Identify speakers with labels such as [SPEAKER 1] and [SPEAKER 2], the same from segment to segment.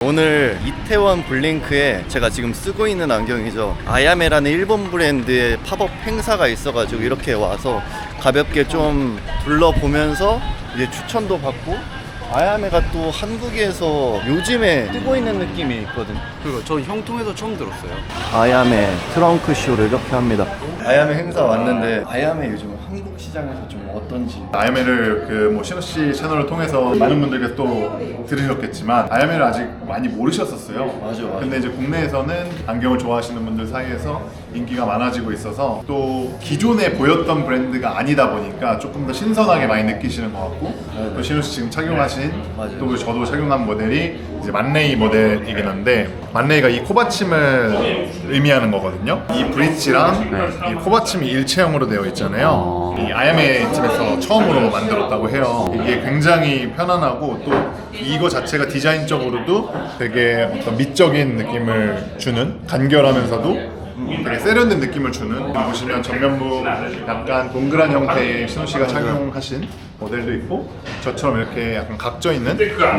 [SPEAKER 1] 오늘 이태원 블링크에 제가 지금 쓰고 있는 안경이죠. 아야메라는 일본 브랜드의 팝업 행사가 있어가지고 이렇게 와서 가볍게 좀 둘러보면서 이제 추천도 받고, 아야메가 또 한국에서 요즘에 뜨고 있는 느낌이 있거든.
[SPEAKER 2] 그리고 저 형통에서 처음 들었어요.
[SPEAKER 1] 아야메 트렁크 쇼를 이렇게 합니다. 아야메 행사 왔는데 아야메 요즘 한국 시장에서 좀 어떤지.
[SPEAKER 3] 아야메를 뭐 신호 씨 채널을 통해서 많은 분들께서 또 들으셨겠지만 아야메를 아직 많이 모르셨었어요.
[SPEAKER 1] 맞아.
[SPEAKER 3] 근데 이제 국내에서는 안경을 좋아하시는 분들 사이에서 인기가 많아지고 있어서 또 기존에 보였던 브랜드가 아니다 보니까 조금 더 신선하게 많이 느끼시는 것 같고, 또 신호 씨 지금 착용하신
[SPEAKER 1] 맞아요.
[SPEAKER 3] 또 저도 착용한 모델이 이제 만레이 모델이긴 한데, 만레이가 이 코받침을 의미하는 거거든요. 이 브릿지랑 이 코받침이 일체형으로 되어 있잖아요. 이 아야메 팀에서 처음으로 만들었다고 해요. 이게 굉장히 편안하고 또 이거 자체가 디자인적으로도 되게 어떤 미적인 느낌을 주는, 간결하면서도 되게 세련된 느낌을 주는, 보시면 전면부 약간 동그란 형태의 신호 씨가 착용하신 모델도 있고, 저처럼 이렇게 약간 각져 있는.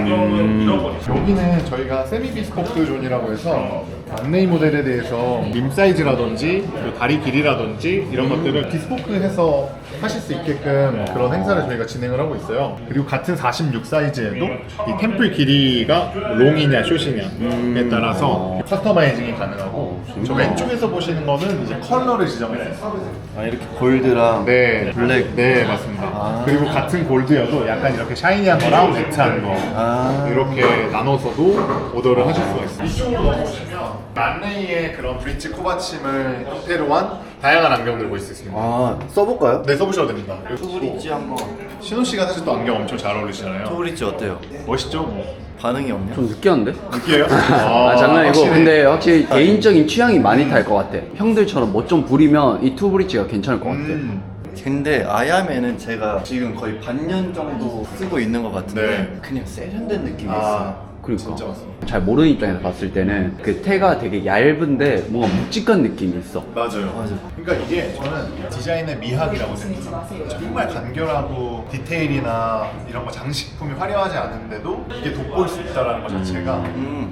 [SPEAKER 3] 여기는 저희가 세미 비스포크 존이라고 해서 만레이 모델에 대해서 림 사이즈라든지 그리고 다리 길이라든지 이런 것들을 비스포크해서 하실 수 있게끔 그런 행사를 저희가 진행을 하고 있어요. 그리고 같은 46 사이즈에도 이 템플 길이가 롱이냐 숏이냐에 따라서 커스터마이징이 가능하고, 저 왼쪽에서 보시는 거는 이제 컬러를 지정했어요.
[SPEAKER 1] 아, 이렇게 골드랑
[SPEAKER 3] 네,
[SPEAKER 1] 블랙.
[SPEAKER 3] 네, 맞습니다. 그리고 같은 골드여도 약간 이렇게 샤이니한 거랑 매트한 거 이렇게 나눠서도 오더를 하실 수가 있어요. 이쪽으로 보시면 만레이의 그런 브릿지 코받침을 형태로 한 다양한 안경들 볼 수 있습니다.
[SPEAKER 1] 아, 써볼까요?
[SPEAKER 3] 네, 써보셔도 됩니다.
[SPEAKER 1] 투브릿지 한번.
[SPEAKER 3] 신호 씨가 사실 또 안경 엄청 잘 어울리시잖아요.
[SPEAKER 1] 투브릿지 어때요?
[SPEAKER 3] 멋있죠?
[SPEAKER 1] 반응이 없냐?
[SPEAKER 2] 좀 느끼한데?
[SPEAKER 3] 느끼해요?
[SPEAKER 2] 아, 장난이고.
[SPEAKER 3] 확실히.
[SPEAKER 2] 근데 확실히 개인적인 취향이 많이 탈 것 같아. 형들처럼 뭐 좀 부리면 이 투브릿지가 괜찮을 것 같아.
[SPEAKER 1] 근데 아야메는 제가 지금 거의 반년 정도 쓰고 있는 것 같은데
[SPEAKER 3] 네.
[SPEAKER 1] 그냥 세련된 느낌이 있어요.
[SPEAKER 2] 그러니까
[SPEAKER 3] 진짜 맞습니다.
[SPEAKER 2] 잘 모르는 입장에서 봤을 때는 그 테가 되게 얇은데 뭔가 묵직한 느낌이 있어.
[SPEAKER 3] 맞아요. 그러니까 이게 저는 디자인의 미학이라고 생각해요. 정말 간결하고 디테일이나 이런 거 장식품이 화려하지 않은데도 이게 돋보일 수 있다는 것 자체가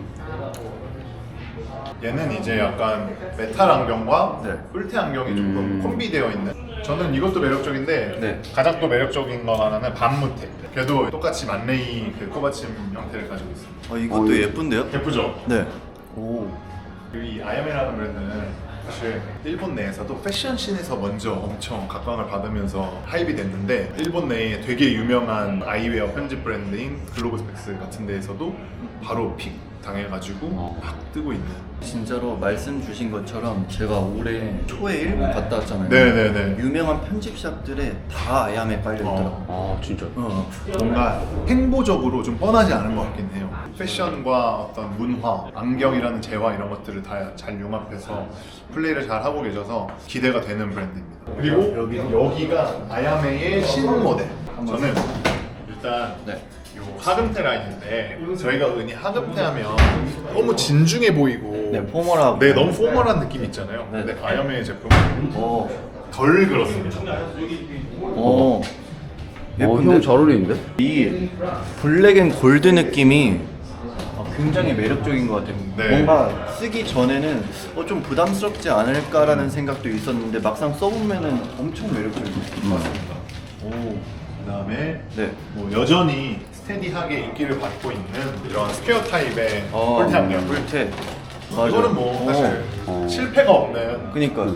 [SPEAKER 3] 얘는 이제 약간 메탈 안경과
[SPEAKER 1] 네.
[SPEAKER 3] 뿔테 안경이 조금 콤비되어 있는, 저는 이것도 매력적인데
[SPEAKER 1] 네.
[SPEAKER 3] 가장 또 매력적인 건 하나는 반무테. 걔도 똑같이 만레이 그 코받침 형태를 가지고 있습니다.
[SPEAKER 1] 이것도 예쁜데요?
[SPEAKER 3] 예쁘죠?
[SPEAKER 1] 네. 오.
[SPEAKER 3] 이 아야메라는 브랜드는 사실 일본 내에서도 패션씬에서 먼저 엄청 각광을 받으면서 하입이 됐는데, 일본 내에 되게 유명한 아이웨어 편집 브랜드인 글로브 스펙스 같은 데에서도 바로 픽 당해가지고 막 뜨고 있는.
[SPEAKER 1] 진짜로 말씀 주신 것처럼 제가 올해 초에 일본 갔다 왔잖아요.
[SPEAKER 3] 네네네.
[SPEAKER 1] 유명한 편집샵들에 다 아야메 깔려있더라고요.
[SPEAKER 2] 아, 진짜.
[SPEAKER 3] 뭔가 행보적으로 좀 뻔하지 않은 것 같긴 해요. 패션과 어떤 문화, 안경이라는 재화 이런 것들을 다 잘 융합해서 플레이를 잘 하고 계셔서 기대가 되는 브랜드입니다. 그리고 여기가 아야메의 신흥 모델. 저는 일단
[SPEAKER 1] 네.
[SPEAKER 3] 요 하금테 라인인데, 저희가 흔히 하금테 하면 너무 진중해 보이고
[SPEAKER 1] 네, 포멀하고.
[SPEAKER 3] 네, 너무 포멀한 느낌 있잖아요.
[SPEAKER 1] 네.
[SPEAKER 3] 근데 아야메의 제품은
[SPEAKER 1] 오.
[SPEAKER 3] 덜 그렇습니다.
[SPEAKER 1] 오.
[SPEAKER 2] 형 잘 어울리는데?
[SPEAKER 1] 이 블랙 앤 골드 느낌이 굉장히 매력적인 것 같아요.
[SPEAKER 3] 네.
[SPEAKER 1] 뭔가 쓰기 전에는 좀 부담스럽지 않을까라는 생각도 있었는데 막상 써보면은 엄청 매력적인 것 같습니다. 오.
[SPEAKER 3] 그다음에
[SPEAKER 1] 네.
[SPEAKER 3] 뭐 여전히 스테디하게 인기를 받고 있는 이런 스퀘어 타입의 뿔테 안경.
[SPEAKER 1] 뿔테.
[SPEAKER 3] 이거는 뭐 사실 실패가 없는.
[SPEAKER 1] 그니까.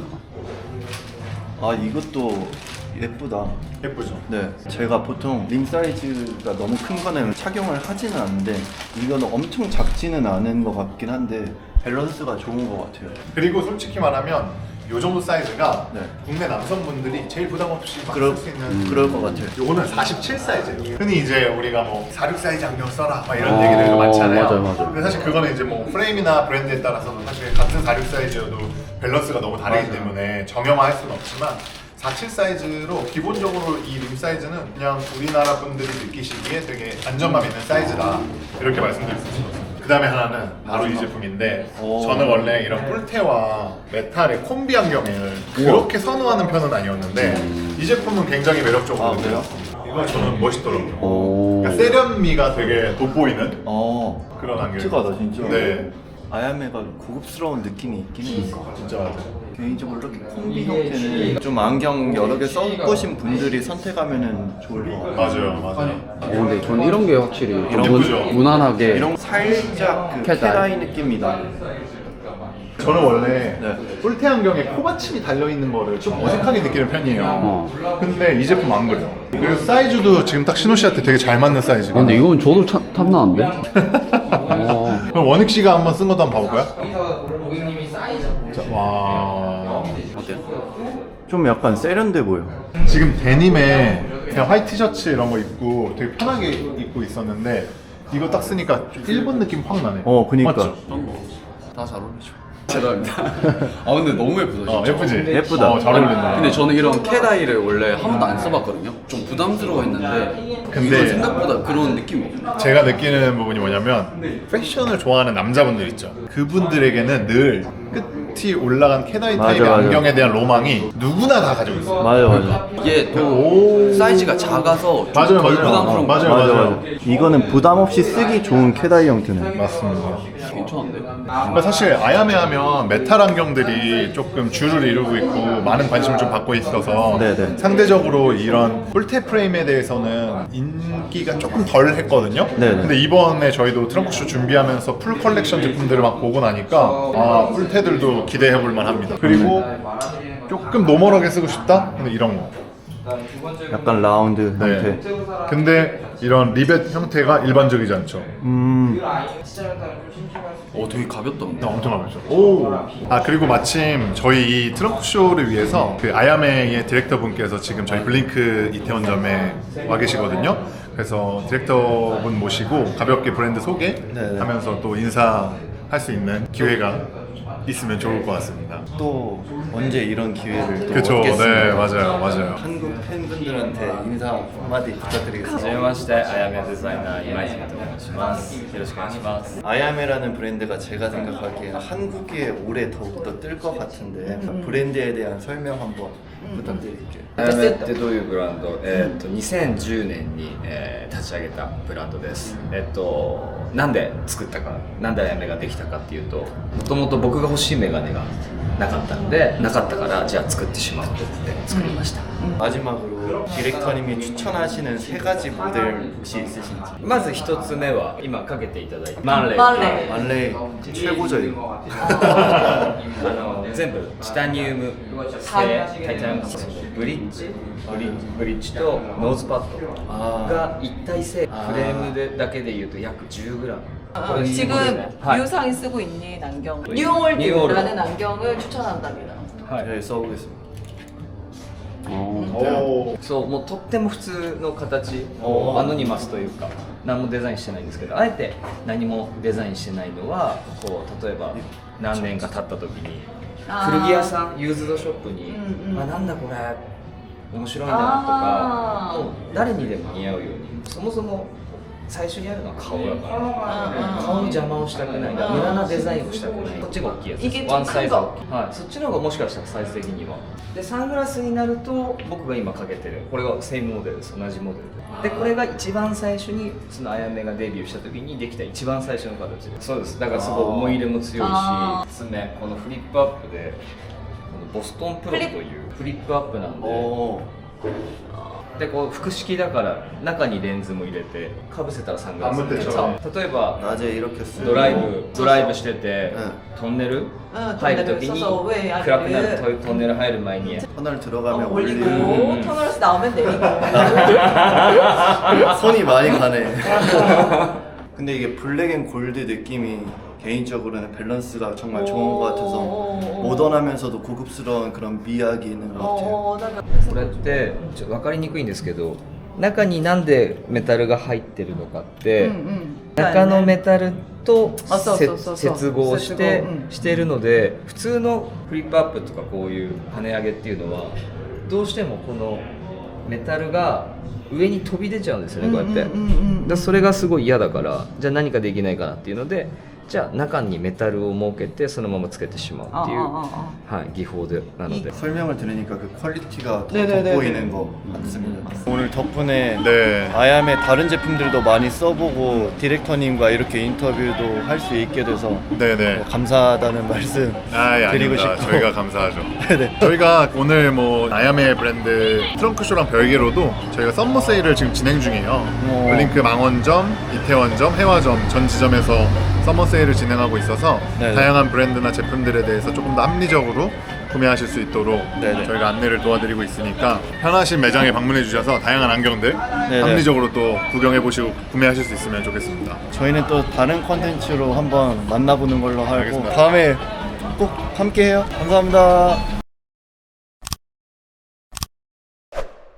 [SPEAKER 1] 이것도 예쁘다.
[SPEAKER 3] 예쁘죠?
[SPEAKER 1] 네, 제가 보통 림 사이즈가 너무 큰 거는 착용을 하지는 않는데 이거는 엄청 작지는 않은 것 같긴 한데 밸런스가 좋은 것 같아요.
[SPEAKER 3] 그리고 솔직히 말하면 이 정도 사이즈가
[SPEAKER 1] 네.
[SPEAKER 3] 국내 남성분들이 제일 부담 없이 막 쓸 수 있는.
[SPEAKER 1] 그럴 것 같아요.
[SPEAKER 3] 요거는 47 사이즈예요. 흔히 이제 우리가 뭐 46 사이즈 안경 써라 막 이런 얘기들도 많잖아요.
[SPEAKER 2] 맞아요.
[SPEAKER 3] 근데 사실 그거는 이제 뭐 프레임이나 브랜드에 따라서도 사실 같은 46 사이즈여도 밸런스가 너무 다르기 때문에 정형화할 수는 없지만, 47 사이즈로 기본적으로 이 림 사이즈는 그냥 우리나라 분들이 느끼시기에 되게 안정감 있는 사이즈다, 이렇게 말씀드릴 수 있습니다. 그 다음에 하나는 바로 이 제품인데, 저는 원래 이런 뿔테와 메탈의 콤비 안경을 그렇게 선호하는 편은 아니었는데 이 제품은 굉장히 매력적으로
[SPEAKER 1] 그래요?
[SPEAKER 3] 느껴졌습니다. 이거 저는 멋있더라고요.
[SPEAKER 2] 오.
[SPEAKER 3] 그러니까 세련미가 되게 돋보이는 그런 안경.
[SPEAKER 1] 독특하다 진짜.
[SPEAKER 3] 네,
[SPEAKER 1] 아야메가 고급스러운 느낌이 있긴 해.
[SPEAKER 3] 진짜 맞아요.
[SPEAKER 1] 개인적으로 이렇게 콤비 형태는 좀 안경 여러 개 써보신 분들이 선택하면은 좋을 것 같아요.
[SPEAKER 3] 맞아요.
[SPEAKER 2] 근데 저는 이런 게 확실히 좀
[SPEAKER 3] 예쁘죠?
[SPEAKER 2] 무난하게
[SPEAKER 1] 이런 살짝 그
[SPEAKER 2] 캐다이.
[SPEAKER 1] 캐다이 느낌이 나.
[SPEAKER 3] 저는 원래
[SPEAKER 1] 네.
[SPEAKER 3] 뿔테 안경에 코받침이 달려있는 거를 좀 어색하게 느끼는 편이에요. 근데 이 제품 안 그래요. 그리고 사이즈도 지금 딱 신호 씨한테 되게 잘 맞는 사이즈가.
[SPEAKER 2] 근데 이건 저도 탐나는데? 어.
[SPEAKER 3] 그럼 원익 씨가 한번 쓴 것도 한번 봐볼까요? 자, 와.
[SPEAKER 1] 어때요? 좀 약간 세련돼 보여.
[SPEAKER 3] 지금 데님에 그냥 화이트 티셔츠 이런 거 입고 되게 편하게 입고 있었는데 이거 딱 쓰니까 좀 일본 느낌 확 나네.
[SPEAKER 1] 그니까.
[SPEAKER 3] 맞죠?
[SPEAKER 2] 다 잘 어울리죠. 죄송합니다. 아 근데 너무 예쁘다 진짜.
[SPEAKER 3] 예쁘지?
[SPEAKER 1] 예쁘다.
[SPEAKER 3] 잘 어울린다.
[SPEAKER 2] 근데 저는 이런 캐다이를 원래 한 번도 안 써봤거든요. 좀 부담스러워했는데
[SPEAKER 3] 근데-
[SPEAKER 2] 이건 생각보다 그런 느낌이 없네.
[SPEAKER 3] 제가 느끼는 부분이 뭐냐면 패션을 좋아하는 남자분들 있죠. 그분들에게는 늘 끝이 올라간 캐다이
[SPEAKER 1] 맞아,
[SPEAKER 3] 타입의
[SPEAKER 1] 맞아.
[SPEAKER 3] 안경에 대한 로망이 누구나 다 가지고 있어요.
[SPEAKER 1] 맞아.
[SPEAKER 2] 이게 또
[SPEAKER 3] 오.
[SPEAKER 2] 사이즈가 작아서 좀
[SPEAKER 3] 맞아요,
[SPEAKER 2] 덜
[SPEAKER 3] 맞아요.
[SPEAKER 2] 부담스러운 거
[SPEAKER 3] 맞아요.
[SPEAKER 1] 이거는 부담 없이 쓰기 좋은 캐다이 형태네.
[SPEAKER 3] 맞습니다.
[SPEAKER 2] 괜찮은데?
[SPEAKER 3] 그러니까 사실 아야메 하면 메탈 안경들이 조금 주를 이루고 있고 많은 관심을 좀 받고 있어서
[SPEAKER 1] 네네.
[SPEAKER 3] 상대적으로 이런 뿔테 프레임에 대해서는 인기가 조금 덜 했거든요.
[SPEAKER 1] 네네.
[SPEAKER 3] 근데 이번에 저희도 트렁크쇼 준비하면서 풀 컬렉션 제품들을 막 보고 나니까 아 뿔테들도 기대해 볼 만합니다. 그리고 조금 노멀하게 쓰고 싶다? 근데 이런 거.
[SPEAKER 1] 약간 라운드 형태.
[SPEAKER 3] 네. 근데 이런 리벳 형태가 일반적이지 않죠.
[SPEAKER 2] 되게 가볍다 근데.
[SPEAKER 3] 엄청 가볍죠. 오. 아 그리고 마침 저희 이 트렁크 쇼를 위해서 그 아야메의 디렉터 분께서 지금 저희 블링크 이태원점에 와 계시거든요. 그래서 디렉터 분 모시고 가볍게 브랜드 소개하면서 또 인사할 수 있는 기회가 있으면 좋을 것 같습니다.
[SPEAKER 1] 또 언제 이런 기회를 또
[SPEAKER 3] 그렇죠.
[SPEAKER 1] 얻겠습니까?
[SPEAKER 3] 네, 맞아요.
[SPEAKER 1] 한국 팬분들한테 인사 한마디 부탁드리겠습니다.
[SPEAKER 4] はじめまして、あやめデザイナー今泉と申します。よろしくお願いします。
[SPEAKER 1] 아야메라는 브랜드가 제가 생각하기에는 한국에 올해 더욱더 뜰 것 같은데 브랜드에 대한 설명 한번 부탁드릴게요.
[SPEAKER 4] あやめってどういうブランド？2010年に、立ち上げたブランドです。なんで作ったか、なんであやめができたかっていうと、もともと僕が欲しいメガネがなかったので、なかったからじゃあ作ってしまおうと思って作りました。
[SPEAKER 1] 마지막으로 디렉터님이 추천하시는 세 가지 모델 혹시 있으신지.
[SPEAKER 4] まず一つ目は今かけていただいたマンレイ。
[SPEAKER 1] 만레 최고죠 이거.
[SPEAKER 4] 全部チタニウム製タイタニウム製ブリッジとノーズパッドが一体性フレームでだけでいうと約 10g
[SPEAKER 5] 지금
[SPEAKER 4] 하
[SPEAKER 5] 유상이 쓰고 있는 안경
[SPEAKER 4] 뉴올드.
[SPEAKER 5] 뉴올드라는 안경을 추천한답니다.
[SPEAKER 1] 네, 써보겠습니다.
[SPEAKER 3] 오.
[SPEAKER 4] そうもうとっても普通の形アノニマスというか何もデザインしてないんですけどあえて何もデザインしてないのはこう例えば何年か経った時に古着屋さんユーズドショップになんだこれ面白いなとかもう誰にでも似合うようにそもそも最初にやるのは顔だから顔の邪魔をしたくない無駄なデザインをしたくないこっちが大きいやつ
[SPEAKER 5] いけ
[SPEAKER 4] ワンサイズ大きい、はい、そっちの方がもしかしたらサイズ的にはでサングラスになると僕が今かけてるこれがセイムモデルです同じモデルでこれが一番最初にそのあやめがデビューした時にできた一番最初の形ですそうですだからすごい思い入れも強いし爪このフリップアップでこのボストンプロというフリップアップなんででこう複式だから中にレンズも入れてかぶせたらサングラス
[SPEAKER 3] あ無敵
[SPEAKER 4] 例えば
[SPEAKER 1] 낮에 이렇게 쓰고
[SPEAKER 4] ドライブしてて、トンネル入るときに
[SPEAKER 5] そうそう上ある
[SPEAKER 4] 暗くなるトンネル入る前に
[SPEAKER 1] 터널 들어가면
[SPEAKER 5] 올리고
[SPEAKER 1] 올리고
[SPEAKER 5] 터널에서 나오면 내리고.
[SPEAKER 1] 손이 많이 가네. 근데 이게 블랙 앤 골드 느낌이 개인적으로는 밸런스가 정말 좋은 것 같아서 모던하면서도 고급스러운 그런 미학이 있는 것 같아요.
[SPEAKER 4] これってちょっと分かりにくいんですけど中になんでメタルが入ってるのかって、中のメタルと
[SPEAKER 5] あそうそうそうそう
[SPEAKER 4] 接合して
[SPEAKER 5] 接合うん
[SPEAKER 4] してるので普通のフリップアップとかこういう跳ね上げっていうのはどうしてもこのメタルが上に飛び出ちゃうんですよねこうやって、だからそれがすごい嫌だからじゃあ何かできないかなっていうのでじゃあ中にメタルを設けてそのままつけてしまうっていう、はい、技法でなので
[SPEAKER 1] 설명을 들으니까 그 퀄리티가 더
[SPEAKER 5] 네네네네.
[SPEAKER 1] 돋보이는 것 같습니다. 오늘 덕분에
[SPEAKER 3] 네.
[SPEAKER 1] 아얌의 다른 제품들도 많이 써보고 디렉터님과 이렇게 인터뷰도 할 수 있게 돼서
[SPEAKER 3] 네네.
[SPEAKER 1] 감사하다는 말씀
[SPEAKER 3] 아,
[SPEAKER 1] 드리고
[SPEAKER 3] 아닙니다.
[SPEAKER 1] 싶고
[SPEAKER 3] 저희가 감사하죠.
[SPEAKER 1] 네네.
[SPEAKER 3] 저희가 오늘 뭐 아야메 브랜드 트렁크쇼랑 별개로도 저희가 썸머 세일을 지금 진행 중이에요.
[SPEAKER 1] 오.
[SPEAKER 3] 블링크 망원점, 이태원점, 해화점 전 지점에서 썸머 세일을 진행하고 있어서
[SPEAKER 1] 네네.
[SPEAKER 3] 다양한 브랜드나 제품들에 대해서 조금 더 합리적으로 구매하실 수 있도록
[SPEAKER 1] 네네.
[SPEAKER 3] 저희가 안내를 도와드리고 있으니까 편하신 매장에 방문해 주셔서 다양한 안경들
[SPEAKER 1] 네네.
[SPEAKER 3] 합리적으로 또 구경해 보시고 구매하실 수 있으면 좋겠습니다.
[SPEAKER 1] 저희는 또 다른 컨텐츠로 한번 만나보는 걸로 하고
[SPEAKER 3] 알겠습니다.
[SPEAKER 1] 다음에 꼭 함께해요. 감사합니다.